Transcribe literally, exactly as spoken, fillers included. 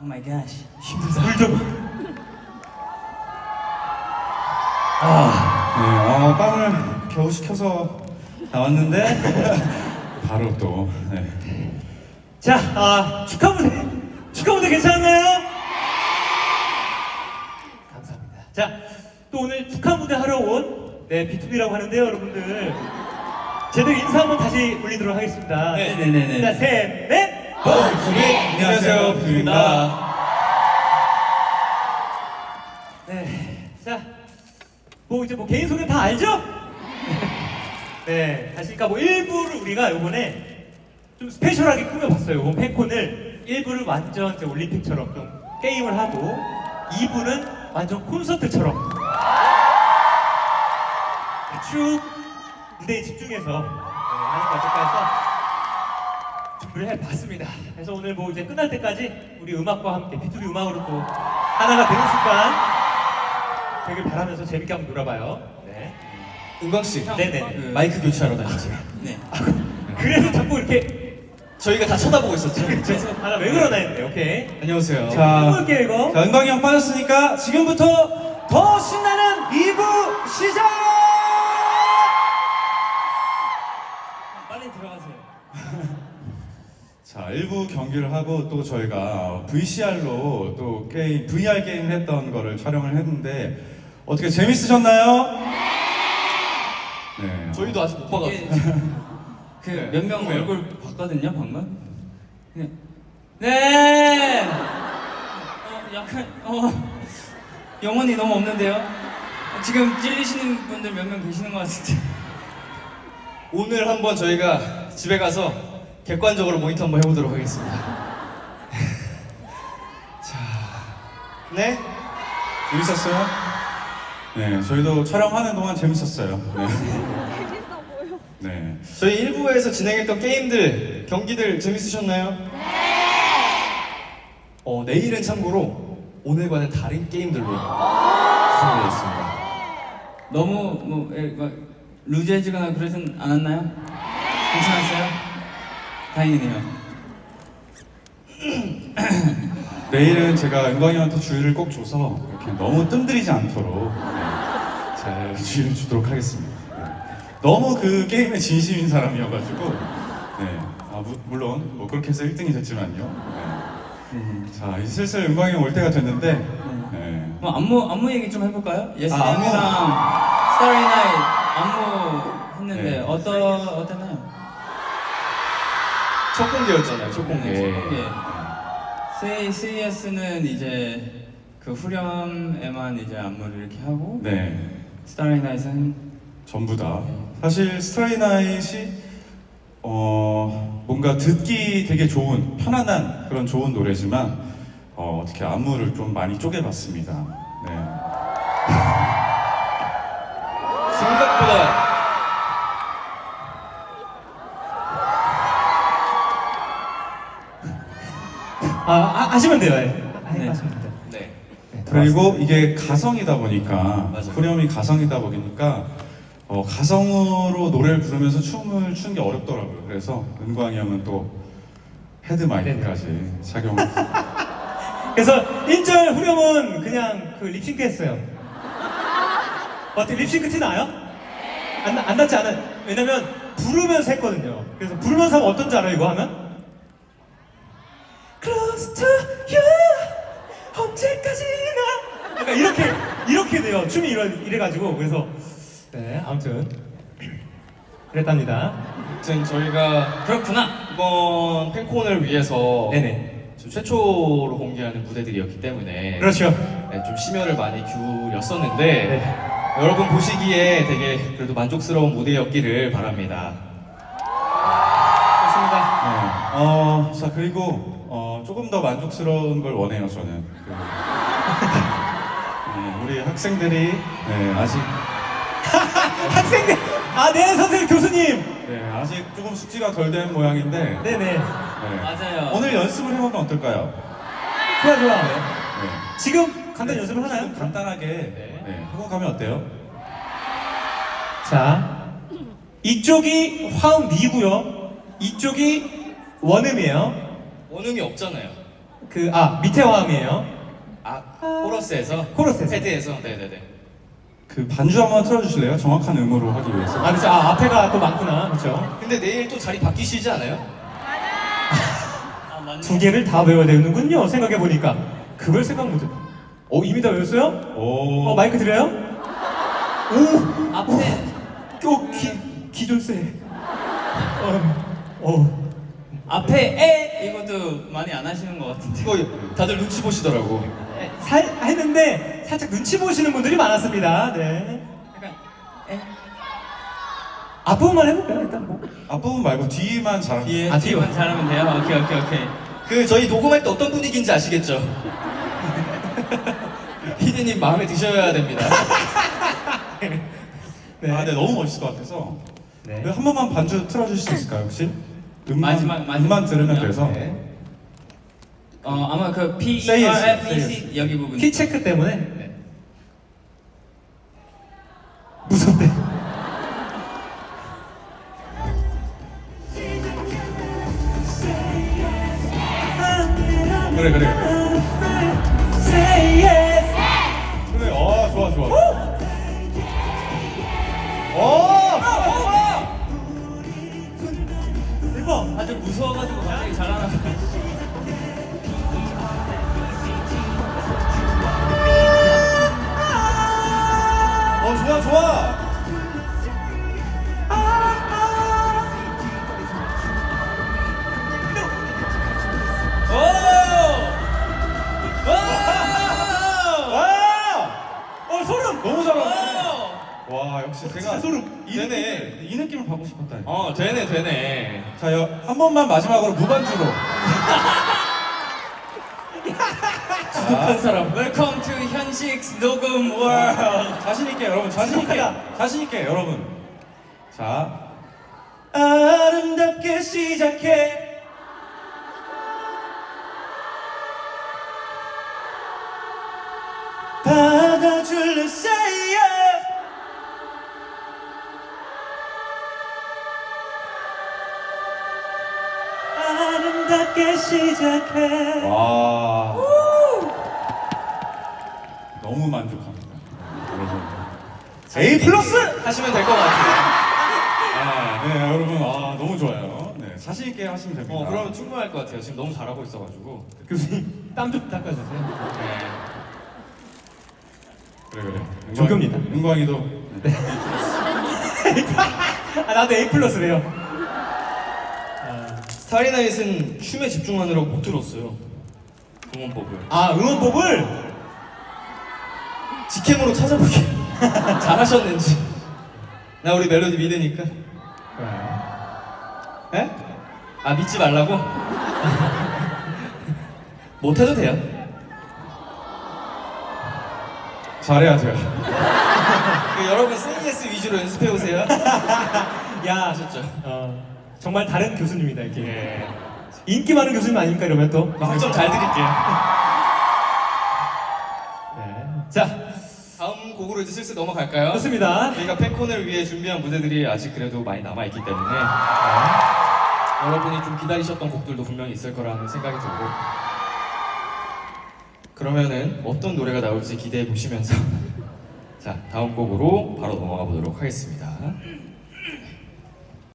오 마이 갓. 힘들다. 물 좀. 아, 네, 어, 빵을 겨우 시켜서 나왔는데 바로 또 네. 자, 아, 축하 무대. 축하 무대 괜찮나요? 감사합니다. 자, 또 오늘 축하 무대 하러 온 네, 비투비라고 하는데요, 여러분들. 제대로 인사 한번 다시 올리도록 하겠습니다. 네, 네, 네, 네. 자, 셋, 넷. 어, 비투비 안녕하세요, 비투비입니다. 네, 자, 뭐 이제 뭐 개인 소개 다 알죠? 네, 다시 그러니까 뭐 일부를 우리가 이번에 좀 스페셜하게 꾸며봤어요. 이번 팬콘을 일부를 완전 이제 올림픽처럼 좀 게임을 하고 이 부는 완전 콘서트처럼 쭉 무대에 집중해서 네, 하는 것 어떨까 해서 준비를 해봤습니다. 그래서 오늘 뭐 이제 끝날 때까지 우리 음악과 함께 비투비 음악으로 또 하나가 되는 순간 되길 바라면서 재밌게 한번 놀아봐요. 네. 은광 씨, 네네. 그 마이크 교체하러 다녔지. 네. 그래서 자꾸 이렇게 저희가 다 쳐다보고 있었죠. 그래서 하나 왜 그러나 했는데 오케이. 안녕하세요. 자, 해볼게요 이거. 자, 은광이 형 빠졌으니까 지금부터 더 신나는 이 부 시작! 빨리 들어가세요. 자, 일 부 경기를 하고 또 저희가 브이씨알로 또 게임, 브이알 게임 했던 거를 촬영을 했는데 어떻게 재밌으셨나요? 네. 저희도 아직 못 이게 봐가지고. 그 몇 명 얼굴 봤거든요 방금. 네. 네. 어, 약간 어 영혼이 너무 없는데요. 지금 찔리시는 분들 몇 명 계시는 것 같은데. 오늘 한번 저희가 집에 가서 객관적으로 모니터 한번 해보도록 하겠습니다. 자, 네. 재밌었어요? 네, 저희도 촬영하는 동안 재밌었어요. 네. 네. 저희 일 부에서 진행했던 게임들, 경기들 재밌으셨나요? 네. 어, 내일은 참고로 오늘과는 다른 게임들로 준비되어 있습니다. 너무 뭐 에, 막 루즈해지거나 그러진 않았나요? 괜찮았어요? 다행이네요. 내일은 제가 은광이 형한테 주의를 꼭 줘서 이렇게 너무 뜸들이지 않도록 네, 잘 주의를 주도록 하겠습니다. 네. 너무 그 게임에 진심인 사람이어가지고 네. 아, 무, 물론 뭐 그렇게 해서 일 등이 됐지만요. 네. 네. 자, 이제 슬슬 은광이 형 올 때가 됐는데 네. 뭐 안무 안무 얘기 좀 해볼까요? 예스님이랑 안무. 스타리 나잇 안무 했는데 네. 어떠 어땠나요? 첫 공개였잖아요, 첫 공개. 네, 첫 공개. 세이 세이에스는 이제 그 후렴에만 이제 안무를 이렇게 하고 네. 스타리 나잇은 전부 다. 사실 스트레이나잇이 어 뭔가 듣기 되게 좋은 편안한 그런 좋은 노래지만 어 어떻게 안무를 좀 많이 쪼개봤습니다. 네. 생각보다 아, 아 하시면 돼요. 예. 아, 네. 하시면 돼요. 네. 네, 그리고 이게 가성이다 보니까 맞아요. 후렴이 가성이다 보니까 어 가성으로 노래를 부르면서 춤을 추는 게 어렵더라고요. 그래서 은광이 형은 또 헤드 마이크까지 착용. 그래서 일 절 후렴은 그냥 그 립싱크 했어요. 어떻게 립싱크 티 나요? 안, 나- 안 났지 않아요? 왜냐면 부르면서 했거든요. 그래서 부르면서 하면 어떤지 알아요, 이거 하면? Close to you 언제까지나 약간 이렇게 이렇게 돼요. 춤이 이래, 이래가지고 그래서 네 아무튼 그랬답니다. 아무튼 저희가 그렇구나. 이번 팬콘을 위해서 네네. 좀 최초로 공개하는 무대들이었기 때문에 그렇죠. 네, 좀 심혈을 많이 기울였었는데 네. 여러분 보시기에 되게 그래도 만족스러운 무대였기를 바랍니다. 좋습니다. 네. 어, 자 그리고 어, 조금 더 만족스러운 걸 원해요 저는. 그, 네, 우리 학생들이 네, 아직 학생들 아네 선생님 교수님 네, 아직 조금 숙지가 덜 된 모양인데 네네 네. 맞아요. 오늘 연습을 해보면 어떨까요? 좋아 좋아. 네. 지금 간단 연습을 하나요? 지금 간단하게 네, 하고 가면 어때요? 자 이쪽이 화음 미고요. 이쪽이 원음이에요. 원음이 없잖아요. 그, 아, 밑에 화음이에요. 아 코러스에서 코러스에서. 패드에서 네네네. 그 반주 한번 틀어주실래요? 정확한 음으로 하기 위해서. 아, 그렇죠. 아, 앞에가 또 많구나. 그렇죠. 근데 내일 또 자리 바뀌시지 않아요? 아, 맞네. 두 개를 다 외워야 되는군요. 생각해보니까. 그걸 생각 못했 어, 이미 다 외웠어요? 오. 어, 마이크 드려요? 오! 앞에 어, 기, 기존세. 어, 어. 앞에 에 이것도 많이 안 하시는 것 같은데. 이거 다들 눈치 보시더라고. 살, 했는데 살짝 눈치 보시는 분들이 많았습니다. 네. 약간 에 앞부분만 해볼까요? 일단 뭐. 앞부분 말고 뒤만 잘하면 뒤에 아, 뒤만 뒤로. 잘하면 돼요. 오케이 오케이 오케이. 그 저희 녹음할 때 어떤 분위기인지 아시겠죠? 피디님 마음에 드셔야 됩니다. 네. 아, 네, 너무 멋있을 것 같아서. 네. 네, 한 번만 반주 틀어주실 수 있을까요, 혹시? 음만, 마지막, 마지막 음만 들으면 부분이요? 돼서. 네. 어 아마 그 P E Say yes, R F E say C 여기 부분. 키 체크 때문에. 네. 무섭대. 그래, 그래, 그래. Say yes. 그래, 어, 좋아, 좋아. 대박. 아주 무서워가지고 갑자기 잘하나 봐요. 어, 좋아, 좋아. 오! 오! 와! 어, 소름. 너무 잘하네. 오! 와, 역시 제가 진짜 소름. 이 되네. 느낌을, 이 느낌을 받고 싶었다. 어 되네 되네. 자, 여, 한 번만 마지막으로 무반주로. 독한 사람. Welcome to 현식 녹음 월드. 자신 있게 여러분, 자신 있게, 행복하다. 자신 있게 여러분. 자, 아름답게 시작해. 받아줄래 say yes. 아름답게 시작해. 와, 너무 만족합니다, 여러분. A 플러스. 하시면 될 것 같아요. 아, 네, 여러분, 아, 너무 좋아요. 네, 자신 있게 하시면 됩니다. 어 그러면 충분할 것 같아요. 지금 너무 잘하고 있어가지고. 교수님 땀 좀 닦아주세요. 네. 그래, 그래. 조교입니다. 은광이도. 네. 아, 나도 A 플러스래요. 스타리나잇은 춤에 집중하느라고 못 들었어요. 응원법을. 아, 응원법을. 직캠으로 찾아보게. 잘하셨는지. 나 우리 멜로디 믿으니까. 에? 아 믿지 말라고? 못해도 돼요. 잘해야 돼요. 그 여러분 세이에스 위주로 연습해 오세요. 야, 아셨죠? 어, 정말 다른 교수님이다 이렇게. 예. 인기 많은 교수님 아닙니까 이러면 또. 학점 잘 드릴게요. 네. 자, 다음 곡으로 이제 슬슬 넘어갈까요? 좋습니다. 저희가 팬콘을 위해 준비한 무대들이 아직 그래도 많이 남아있기 때문에 여러분이 좀 기다리셨던 곡들도 분명히 있을 거라는 생각이 들고 그러면은 어떤 노래가 나올지 기대해 보시면서 자 다음 곡으로 바로 넘어가 보도록 하겠습니다.